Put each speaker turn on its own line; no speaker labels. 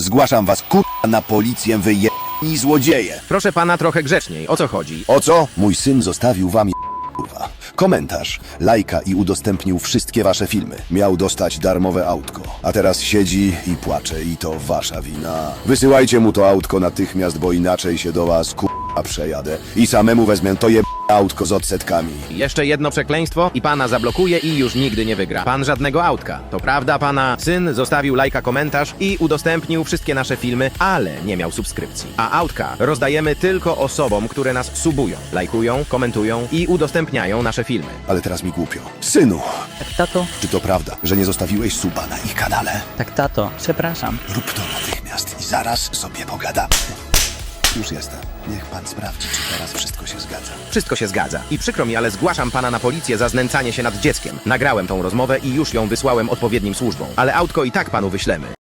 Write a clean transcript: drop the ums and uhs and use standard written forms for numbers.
Zgłaszam was na policję, wy złodzieje.
Proszę pana trochę grzeczniej, o co chodzi?
O co? Mój syn zostawił wam kurwa komentarz, lajka i udostępnił wszystkie wasze filmy. Miał dostać darmowe autko, a teraz siedzi i płacze i to wasza wina. Wysyłajcie mu to autko natychmiast, bo inaczej się do was przejadę i samemu wezmę to autko z odsetkami.
Jeszcze jedno przekleństwo i pana zablokuje i już nigdy nie wygra. Pan żadnego autka. To prawda, pana syn zostawił lajka, komentarz i udostępnił wszystkie nasze filmy, ale nie miał subskrypcji. A autka rozdajemy tylko osobom, które nas subują, lajkują, komentują i udostępniają nasze filmy.
Ale teraz mi głupio. Synu,
Tak, tato?
czy to prawda, że nie zostawiłeś suba na ich kanale?
Tak, tato. Przepraszam.
Rób to natychmiast i zaraz sobie pogadamy. Już jestem. Niech pan sprawdzi, czy teraz wszystko się zgadza.
Wszystko się zgadza. I przykro mi, ale zgłaszam pana na policję za znęcanie się nad dzieckiem. Nagrałem tą rozmowę i już ją wysłałem odpowiednim służbom. Ale autko i tak panu wyślemy.